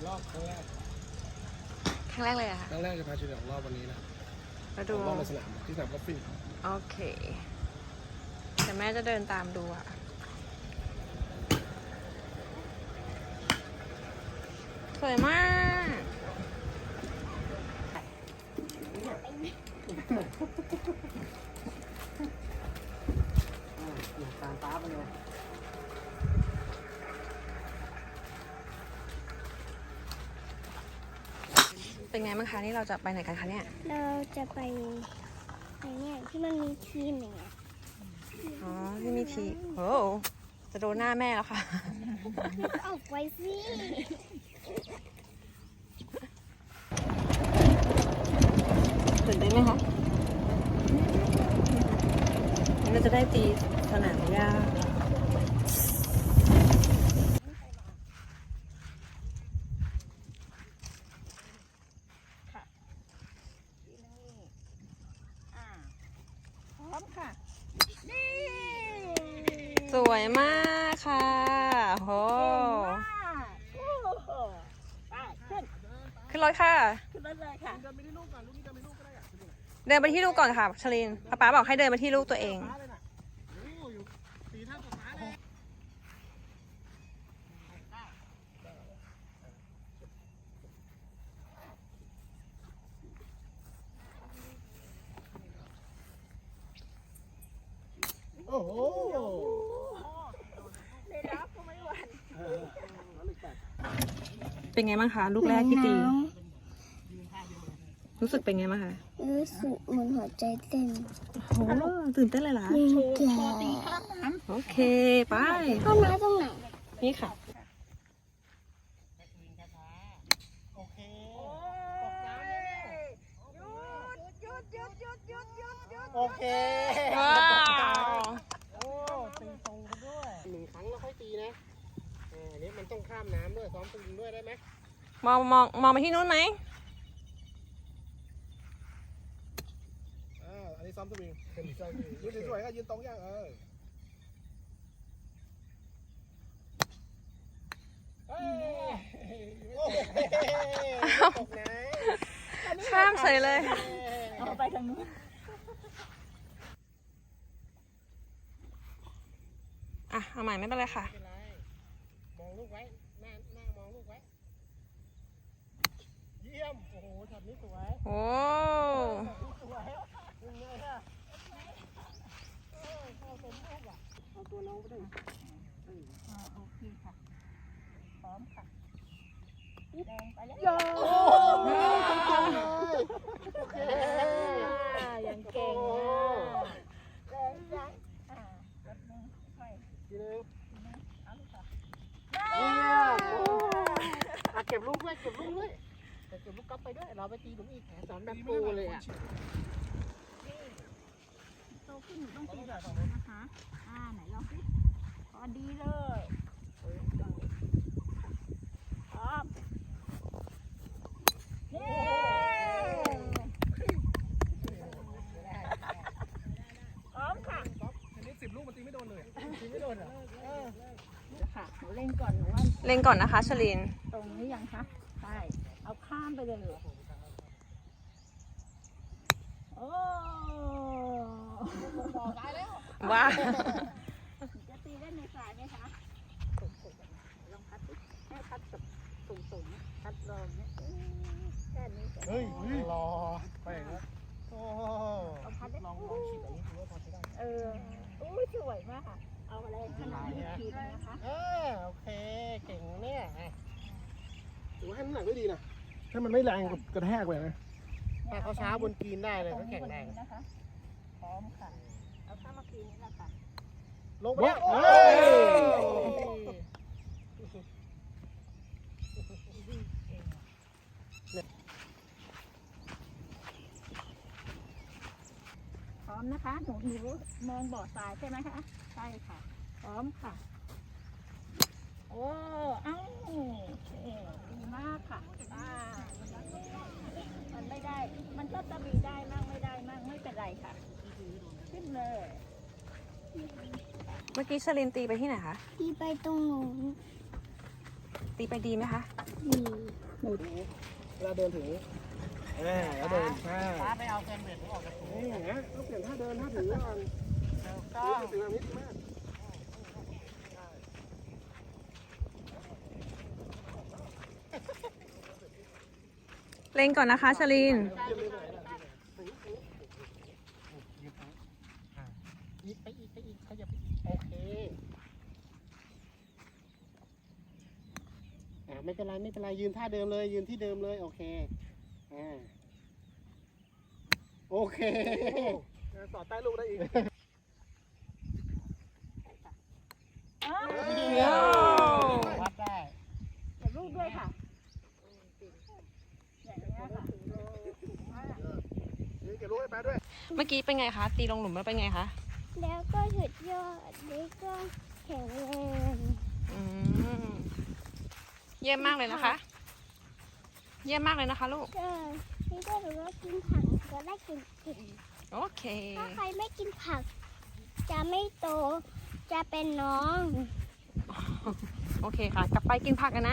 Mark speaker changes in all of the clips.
Speaker 1: รอบครั้งแรก
Speaker 2: เลยอะค่ะ
Speaker 1: ครั้งแรกจะพาเฉลี่ยรอบวันนี้นะ
Speaker 2: มาดู
Speaker 1: รอบในสนามที่สนามกอล์ฟฟิ้ง
Speaker 2: โอเคแต่แม่จะเดินตามดูอะสวยมาก
Speaker 1: ตามป้าไปเลย
Speaker 2: เป็นไงบ้างคะนี่เราจะไปไหนกันคะเนี่ย
Speaker 3: เราจะไปเนี่ยที่มันมีทีมอย่างเงี้ย
Speaker 2: อ๋อที่มีทีโอ้จะโดนหน้าแม่แล้วค่ะ
Speaker 3: ออกไว้สิ
Speaker 2: ตื่นเต้นไหมคะเราจะได้ตีสนามหญ้าสวยมากค่ะโหขึ้นรถค่ะขึ้นรถเลยค่ะเดินไปที่ลูกก่อนลูกนี้เดินไปลูกก็ได้เดินไปที่ลูกก่อนค่ะชลินป๊าบอกให้เดินไปที่ลูกตัวเอง
Speaker 1: โอ้โห
Speaker 2: เป็นไงบ้างคะลูกแรกที่ตีรู้สึกเป็นไงบ้างคะ
Speaker 3: รู้สึกเหมือนหัวใจเต้น
Speaker 2: โอ้ตื่นเต้นเลยล่ะโอเคไป
Speaker 3: ข้ามน้ำตรงไหน
Speaker 2: นี่ค่ะ
Speaker 1: โอเคโอเค
Speaker 2: ว้าว
Speaker 1: โอ้ตีตรงกันด้วย1 ครั้งแล้วค่อยตีนะอันนี้มันต้องข้ามน้ำด้วยซ้อมสวิงด้วยได้ไหม
Speaker 2: มองไปที่นู้นไหม
Speaker 1: อันนี้ซ้อมสวิงเป็นซ้อมสวิงยืนสวยๆก็ยืนตรงอย่าง
Speaker 2: ข้ามเฉยเลย
Speaker 3: เอาไปทางนู้น
Speaker 2: อ่ะเอาใหม่ไม่เป็นไรค่ะ
Speaker 1: มองลูกไว้หน้ามองลูกไว้เยี่ยมโอ้โหช็อตนี้สวย
Speaker 2: โอ้
Speaker 1: สวยยังไงฮะเอาตัวน้องไปด้วย
Speaker 3: โอเคค่ะพร้อมค่ะแดงไปแล้ว
Speaker 1: โอ้โอเค
Speaker 3: ยังเก่งแดงจังรถนึงค่อย
Speaker 1: ทีนึง
Speaker 3: เอาลูกค่ะ
Speaker 1: เก็บลูกด้วยเก็บลูกกลับไปด้วยเราไปตีหลุมอีกสอนแบบโปรเลยอ่ะ
Speaker 3: โตขึ้นหนูต้องตีแบบนี้นะคะไหนลองสิพอดีเลยพร้อมเย้พร้อมค่ะ
Speaker 1: อันนี้10 ลูกมันตีไม่โดนเลยตีไม่โดนเหรอ
Speaker 3: ค่ะหนูเล่นก่อนหนูว่า
Speaker 2: เล่นก่อนนะคะชลิน
Speaker 3: ตรงนี้ยังคะใช่เอาข้ามไปเลยโอ้บอกได้แล้ว
Speaker 2: ว้า
Speaker 3: จะตีได้ในสายไหมคะลองพัดให้พัดแบบสูงๆพัดลองเนี่ยแค่นี้
Speaker 1: เฮ้ยรอไปแล้วโอ้ลองขีดแบบนี้ดูว่าพอใช้ได้
Speaker 3: อุ้ยสวยมากค่ะเอาอะไรขนาดนี้ขีดนะคะ
Speaker 1: โอเคเก่งเนี่ยถือว่าให้น้ำหนักได้ดีนะถ้ามันไม่แรงกระแทกไปนะถ้าเขาช้าบนกรีนได้เลยเขาแข็งแรง
Speaker 3: นะคะพร้อมค่ะเอาข้ามมากรีนนี่แหละค่ะ
Speaker 1: ลงไปแล้ว
Speaker 3: พร้อมนะคะหนูมองบ่อทรายใช่ไหมคะใช่ค่ะพร้อมค่ะโอ้ดีมากค่ะมันไม่ได้มันก็จะมีได้มั่งไม่ได้มั่งไม่เป็นไรค่ะขึ้นเลย
Speaker 2: เมื่อกี้ชลินตีไปที่ไหนคะ
Speaker 3: ตีไปตรงหนู
Speaker 2: ตีไปดีไหมคะ
Speaker 1: เวลาเดินถึงแล้วเดินป้าไปเอาแกนเวทออกจากถุงนี่อย่างเงี้ยต้องเปลี่ยนท่าเดินท่าถือก่อนถือแบบนี้มาก
Speaker 2: เล็งก่อนนะคะชลิน
Speaker 1: อีกไปอีกไปอีกขยับโอเคไม่เป็นไรไม่เป็นไรยืนท่าเดิมเลยยืนที่เดิมเลยโอเคโอเคสอดใต้ลูกได้อีก วัดได้
Speaker 3: เก็บลูกด้วยค่ะอย่างนี้ค่ะ
Speaker 1: นี่เก็บลูกให้ป้าด้วย
Speaker 2: เมื่อกี้เป็นไงคะ ตีลงหลุมแล้วเป็นไงคะ
Speaker 4: แล้วก็สุดยอดแล้วก็แข็งแรง
Speaker 2: อืมเยี่ยมมากเลยนะคะ เยี่ยมมากเลยนะคะลูก
Speaker 4: ก็นี่ก็ถือว่ากินผักจะได้เก่ง
Speaker 2: โอเค
Speaker 4: ๆถ้าใครไม่กินผัก จะไม่โต จะเป็นน้อง
Speaker 2: โอเคค่ะ กลับไปกินผักกันนะ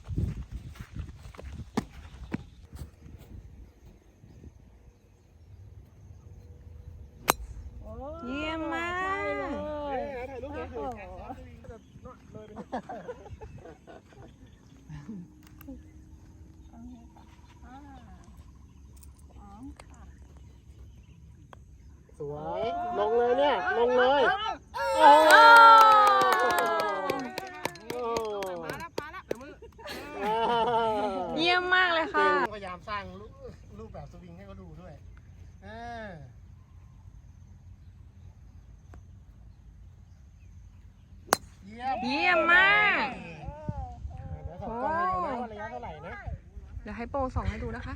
Speaker 2: เยี่ยมมาก
Speaker 1: ถ่ายรูปเลยสวยลงเลยเนี่ยลงเลยโอ้
Speaker 2: เยี่ยมมากเลยค่ะ
Speaker 1: พยายามสร้างรูปแบบสวิงให้เขาดูด้วยเยี่ยม
Speaker 2: มาก
Speaker 1: เดี๋ยวส่งกล้องให้ดูนะว่าระยะเท่าไหร่นะ
Speaker 2: เดี๋ยวให้โปรส่องให้ดูนะคะ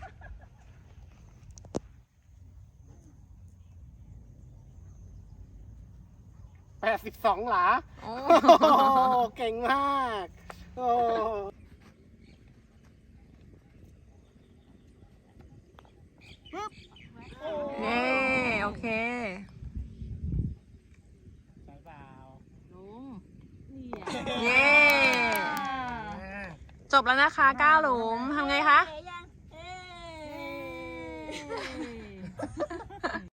Speaker 1: 82 หลา
Speaker 2: โอ้
Speaker 1: เก่งมากโอ้
Speaker 2: เย้โอเค
Speaker 1: ใช่เปล่า
Speaker 2: เย้ จบแล้วนะคะ9หลุมทำไงคะ
Speaker 3: เอ๊ะยัง